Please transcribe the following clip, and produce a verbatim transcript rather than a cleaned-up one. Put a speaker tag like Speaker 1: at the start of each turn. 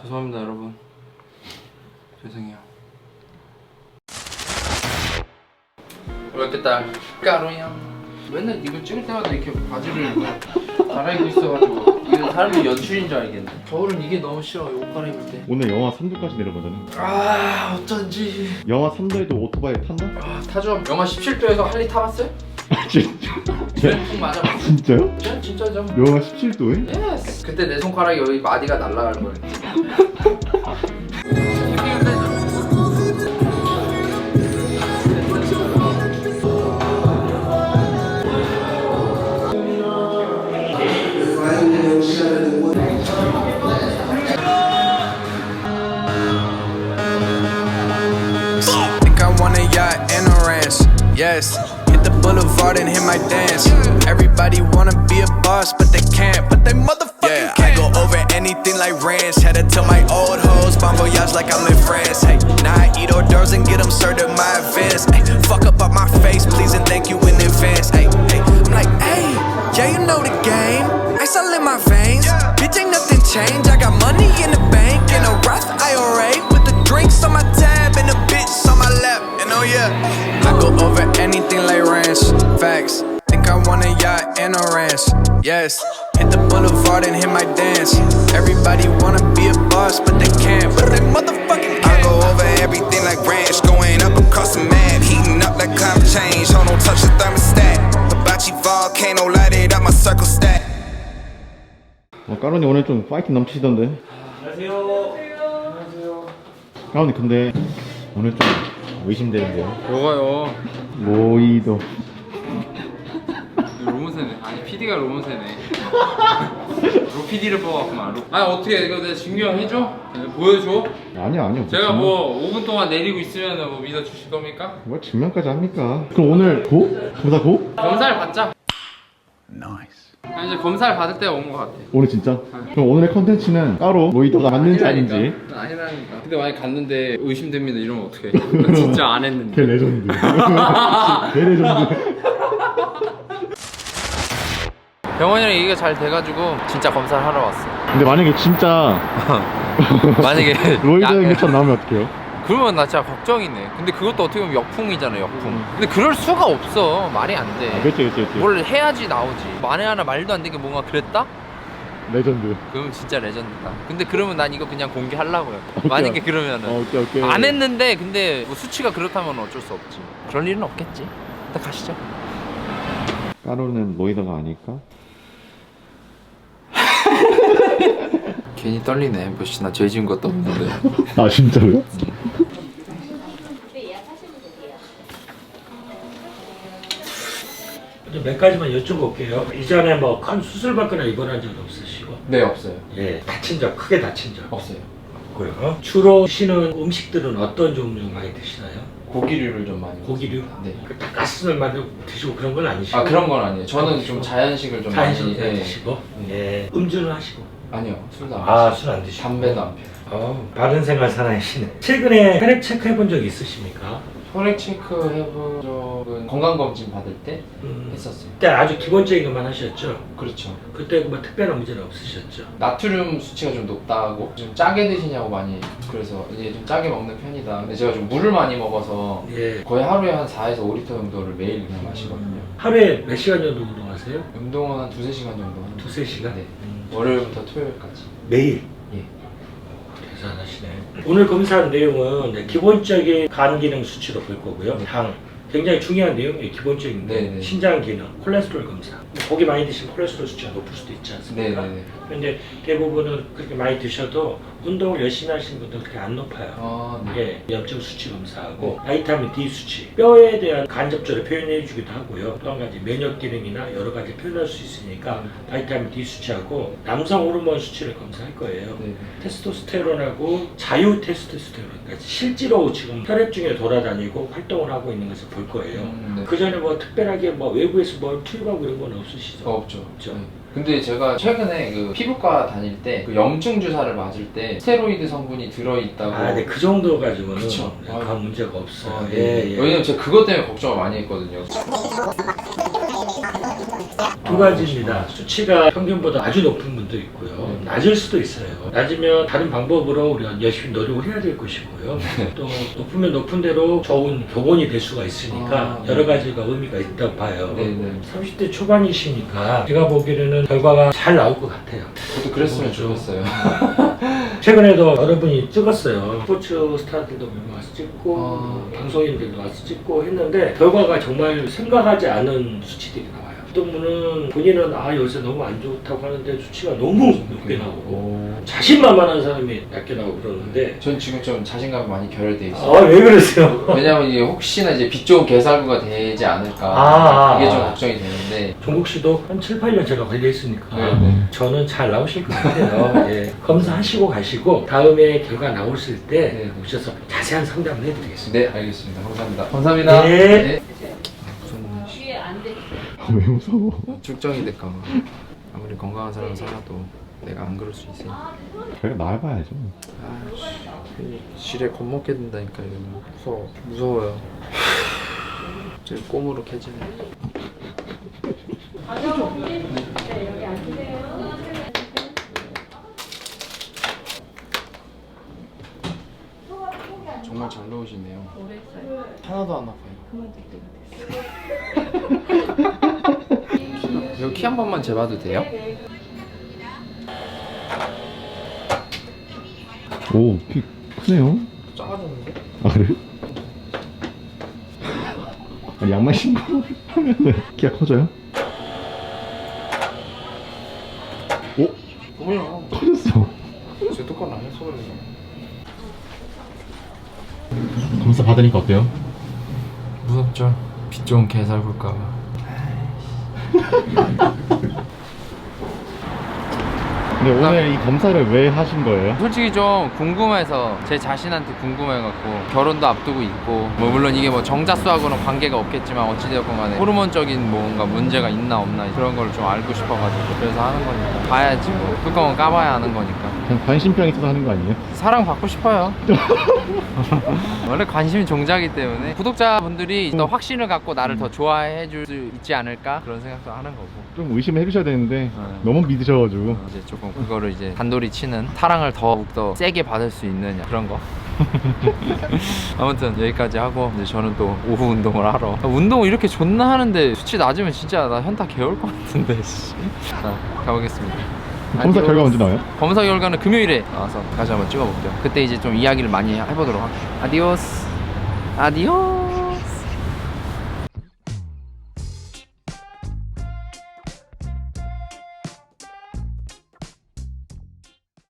Speaker 1: 죄송합니다 여러분. 죄송해요. 어렵겠다. 까로야. 맨날 이거 찍을 때마다 이렇게 바지를 갈아입고 있어가지고 이거 사람들이 연출인 줄 알겠네. 겨울은 이게 너무 싫어. 옷 갈아입을 때.
Speaker 2: 오늘 영하 삼 도까지 내려가잖아.
Speaker 1: 아 어쩐지.
Speaker 2: 영하 삼 도에도 오토바이 탔나?
Speaker 1: 아 타죠. 영하 십칠 도에서 할리 타봤어요?
Speaker 2: 아 진짜?
Speaker 1: 푹 맞아봤어.
Speaker 2: 진짜요?
Speaker 1: 진짜 진짜죠.
Speaker 2: 영하 십칠 도에?
Speaker 1: 예스. 그때 내 손가락에 여기 마디가 날아갈 거예요.
Speaker 3: Yes, hit the boulevard and hit my dance. Everybody wanna be a boss, but they can't. But they motherfucking yeah, can. I go over anything like ranch. Had to tell my old hoes, bon voyage like I'm in France. Hey, now I eat hors d'oeuvres and get them served at my events. Hey, fuck up on my face, please and thank you in advance. Hey, hey, I'm like, hey, yeah, you know the game. Ice all in my veins, bitch ain't nothing changed. I got money in the bank in a Roth I R A with the drinks on my tab and the bitch on my lap. And oh yeah, I go over anything like ranch. Facts. Think I want a yacht and a ranch. Yes. Hit the boulevard and hit my dance. Everybody wanna be a boss, but they can't. But they motherfucking can't. I go over everything like ranch. Going up across the map. Heating up like climate change. Hold on, touch the thermostat. Hibachi volcano, light it up my circle stack.
Speaker 2: 어, 까론이 오늘 좀 파이팅 넘치시던데.
Speaker 1: 안녕하세요. 안녕하세요.
Speaker 2: 까론이 근데 오늘 좀 의심되는데요.
Speaker 1: 뭐가요?
Speaker 2: 로이더.
Speaker 1: 로문세네. 아니 피디가 로문세네. 로피디를 뽑았구만. 로... 아니 어떻게 이거 내가 증명해줘? 네, 보여줘?
Speaker 2: 아니요 아니요.
Speaker 1: 제가
Speaker 2: 증명...
Speaker 1: 뭐 오 분 동안 내리고 있으면 뭐 믿어주실 겁니까?
Speaker 2: 뭐 증명까지 합니까? 그럼 오늘 고? 검사 고?
Speaker 1: 검사를 받자.
Speaker 3: Nice.
Speaker 1: 아니, 이제 검사를 받을 때가 온 것 같아.
Speaker 2: 오늘 진짜? 그럼 오늘의 컨텐츠는 따로 로이더가 맞는지 아닌지.
Speaker 1: 아니라니까. 근데 만약 갔는데 의심됩니다 이러면 어떡해. 나 진짜 안 했는데.
Speaker 2: 걔 레전드. 걔 레전드.
Speaker 1: 병원이랑 얘기가 잘 돼가지고 진짜 검사를 하러 왔어.
Speaker 2: 근데 만약에 진짜
Speaker 1: 만약에
Speaker 2: 로이더
Speaker 1: 야-
Speaker 2: 인격처럼 나오면 어떡해요?
Speaker 1: 그러면 나 진짜 걱정이네. 근데 그것도 어떻게 보면 역풍이잖아 역풍. 근데 그럴 수가 없어. 말이 안 돼.
Speaker 2: 아, 그렇지 그렇지 그렇지.
Speaker 1: 뭘 해야지 나오지. 만에 하나 말도 안 되게 뭔가 그랬다?
Speaker 2: 레전드.
Speaker 1: 그럼 진짜 레전드다. 근데 그러면 난 이거 그냥 공개하려고요.
Speaker 2: 오케이.
Speaker 1: 만약에 그러면은
Speaker 2: 어, 오케이 오케이.
Speaker 1: 안 했는데 근데 뭐 수치가 그렇다면 어쩔 수 없지. 그럴 일은 없겠지. 일단 가시죠.
Speaker 2: 까로는 로이더가 아닐까?
Speaker 1: 괜히 떨리네. 뭐씨 나 죄 지은 것도 없는데.
Speaker 2: 아 진짜로요?
Speaker 4: 몇 가지만 여쭤볼게요. 이전에 뭐 큰 수술 받거나 입원한 적 없으시고?
Speaker 1: 네 없어요.
Speaker 4: 예. 다친 적, 크게 다친 적
Speaker 1: 없어요.
Speaker 4: 없고요. 주로 드시는 음식들은 어떤 종류 많이 드시나요?
Speaker 1: 고기류를 좀 많이.
Speaker 4: 고기류?
Speaker 1: 네.
Speaker 4: 그 닭가슴을 많이 드시고 그런 건 아니시고?
Speaker 1: 아 그런 건 아니에요. 저는 좀 자연식을 좀
Speaker 4: 자연식으로
Speaker 1: 많이. 예.
Speaker 4: 드시고? 예. 음주는 하시고?
Speaker 1: 아니요 술도 안
Speaker 4: 아,
Speaker 1: 마셔요.
Speaker 4: 술 안 드시고?
Speaker 1: 담배도 안 피워요.
Speaker 4: 어, 바른 생활 사나이시네. 최근에 혈액 체크 해본 적 있으십니까?
Speaker 1: 혈액 체크 해본 적은 건강검진 받을 때
Speaker 4: 음.
Speaker 1: 했었어요.
Speaker 4: 그때 아주 기본적인 것만 하셨죠?
Speaker 1: 그렇죠.
Speaker 4: 그때 뭐 특별한 문제는 없으셨죠?
Speaker 1: 나트륨 수치가 좀 높다고 좀 짜게 드시냐고 많이 그래서 이제 좀 짜게 먹는 편이다. 근데 제가 좀 물을 많이 먹어서
Speaker 4: 예.
Speaker 1: 거의 하루에 한 사에서 오 리터 정도를 매일 그냥 마시거든요.
Speaker 4: 하루에 몇 시간 정도 운동하세요?
Speaker 1: 운동은 한 두세 시간 정도 하는
Speaker 4: 두세 시간?
Speaker 1: 네.
Speaker 4: 음.
Speaker 1: 월요일부터 토요일까지.
Speaker 4: 매일?
Speaker 1: 예.
Speaker 4: 대단하시네. 오늘 검사한 내용은 이제 기본적인 간 기능 수치로 볼 거고요. 당 굉장히 중요한 내용이에요. 기본적인 거.
Speaker 1: 네네.
Speaker 4: 신장 기능, 콜레스테롤 검사. 고기 많이 드시면 콜레스테롤 수치가 높을 수도 있지 않습니까?
Speaker 1: 네네네.
Speaker 4: 근데 대부분은 그렇게 많이 드셔도 운동을 열심히 하시는 분들은 그렇게 안 높아요.
Speaker 1: 아, 네.
Speaker 4: 예, 염증 수치 검사하고 바이타민 D 수치, 뼈에 대한 간접적으로 표현해 주기도 하고요. 또 한 가지 면역 기능이나 여러 가지 표현할 수 있으니까 바이타민 D 수치하고 남성 호르몬 수치를 검사할 거예요.
Speaker 1: 네.
Speaker 4: 테스토스테론하고 자유 테스토스테론까지 실제로 지금 혈액 중에 돌아다니고 활동을 하고 있는 것을 볼 거예요.
Speaker 1: 음, 네.
Speaker 4: 그 전에 뭐 특별하게 뭐 외부에서 뭘 투입하고 이런 건 없으시죠?
Speaker 1: 어, 없죠.
Speaker 4: 없죠.
Speaker 1: 네. 근데 제가 최근에 그 피부과 다닐 때 그 염증 주사를 맞을 때 스테로이드 성분이 들어있다고.
Speaker 4: 아, 네, 그 정도 가지고는
Speaker 1: 그쵸.
Speaker 4: 네,
Speaker 1: 아,
Speaker 4: 그 문제가 없어요.
Speaker 1: 아, 네.
Speaker 4: 예, 예.
Speaker 1: 왜냐면 제가 그것 때문에 걱정을 많이 했거든요.
Speaker 4: 두 가지입니다. 수치가 평균보다 아주 높은 분도 있고요. 낮을 수도 있어요. 낮으면 다른 방법으로 우리가 열심히 노력을 해야 될 것이고요. 또 높으면 높은 대로 좋은 교본이 될 수가 있으니까
Speaker 1: 아,
Speaker 4: 여러 가지가 의미가 있다고 봐요.
Speaker 1: 네네.
Speaker 4: 삼십 대 초반이시니까 제가 보기에는 결과가 잘 나올 것 같아요.
Speaker 1: 저도 그랬으면 좋겠어요.
Speaker 4: 최근에도 여러분이 찍었어요. 스포츠 스타들도 몇 명 와서 찍고
Speaker 1: 아.
Speaker 4: 방송인들도 와서 찍고 했는데 결과가 정말 생각하지 않은 수치들이 나와요. 어떤 분은 본인은 아 요새 너무 안 좋다고 하는데 수치가 너무 높게 나오고
Speaker 1: 오.
Speaker 4: 자신만만한 사람이 낮게 나오고 그러는데
Speaker 1: 전 지금 좀 자신감이 많이 결여돼 있어요.
Speaker 4: 아 왜 그러세요?
Speaker 1: 왜냐면 이게 혹시나 이제 빛 좋은 개살구가 되지 않을까
Speaker 4: 아,
Speaker 1: 그게 좀
Speaker 4: 아.
Speaker 1: 걱정이 되는데.
Speaker 4: 종국 씨도 한 칠, 팔 년 제가 관리했으니까
Speaker 1: 네, 네.
Speaker 4: 저는 잘 나오실 것 같아요. 예. 검사하시고 가시고 다음에 결과 나오실 때
Speaker 1: 네.
Speaker 4: 오셔서 자세한 상담을 해드리겠습니다.
Speaker 1: 네, 알겠습니다. 감사합니다. 감사합니다.
Speaker 4: 네.
Speaker 5: 위에 안 돼.
Speaker 2: 왜 무서워?
Speaker 1: 출정이 될까 봐. 아무리 건강한 사람 살아도 내가 안 그럴 수 있으니까.
Speaker 2: 저희가 나와봐야죠.
Speaker 1: 아씨, 지뢰 겁먹게 된다니까 이거. 무서워. 무서워요. 지금 꼼으로 캐지네. 정말 잘 넣으시네요. 하나도 안 아파요. 이거 키 한 번만 재봐도 돼요?
Speaker 2: 오, 키 크네요.
Speaker 1: 작아졌는데?
Speaker 2: 아 그래? 아니, 양말 신고 하면은 키가 커져요? 오,
Speaker 1: 어머야.
Speaker 2: 커졌어.
Speaker 1: 제 똑바로 안 했어 그래.
Speaker 2: 검사 받으니까 어때요?
Speaker 1: 무섭죠? 빛 좋은 개살굴까봐.
Speaker 2: 근데 오늘 이 검사를 왜 하신 거예요?
Speaker 1: 솔직히 좀 궁금해서 제 자신한테 궁금해갖고 결혼도 앞두고 있고 뭐 물론 이게 뭐 정자수하고는 관계가 없겠지만 어찌되었건 간에 호르몬적인 뭔가 문제가 있나 없나 그런 걸 좀 알고 싶어가지고 그래서 하는 거니까 봐야지 뭐 뚜껑은 까봐야 하는 거니까
Speaker 2: 그냥 관심병 있어서 하는 거 아니에요?
Speaker 1: 사랑 받고 싶어요. 원래 관심이 종자이기 때문에 구독자분들이 더 확신을 갖고 나를 더 좋아해 줄 수 있지 않을까 그런 생각도 하는 거고
Speaker 2: 좀 의심해 주셔야 되는데
Speaker 1: 네.
Speaker 2: 너무 믿으셔가지고
Speaker 1: 이제 조금 그거를 이제 단돌이 치는 사랑을 더욱더 세게 받을 수 있느냐 그런 거. 아무튼 여기까지 하고 이제 저는 또 오후 운동을 하러. 아, 운동을 이렇게 존나 하는데 수치 낮으면 진짜 나 현타 개올 것 같은데. 씨. 자 가보겠습니다.
Speaker 2: 검사
Speaker 1: 아디오스.
Speaker 2: 결과 언제 나와요?
Speaker 1: 검사 결과는 금요일에 나와서 다시 한번 찍어볼게요. 그때 이제 좀 이야기를 많이 해보도록 할게요. 아디오스. 아디오스.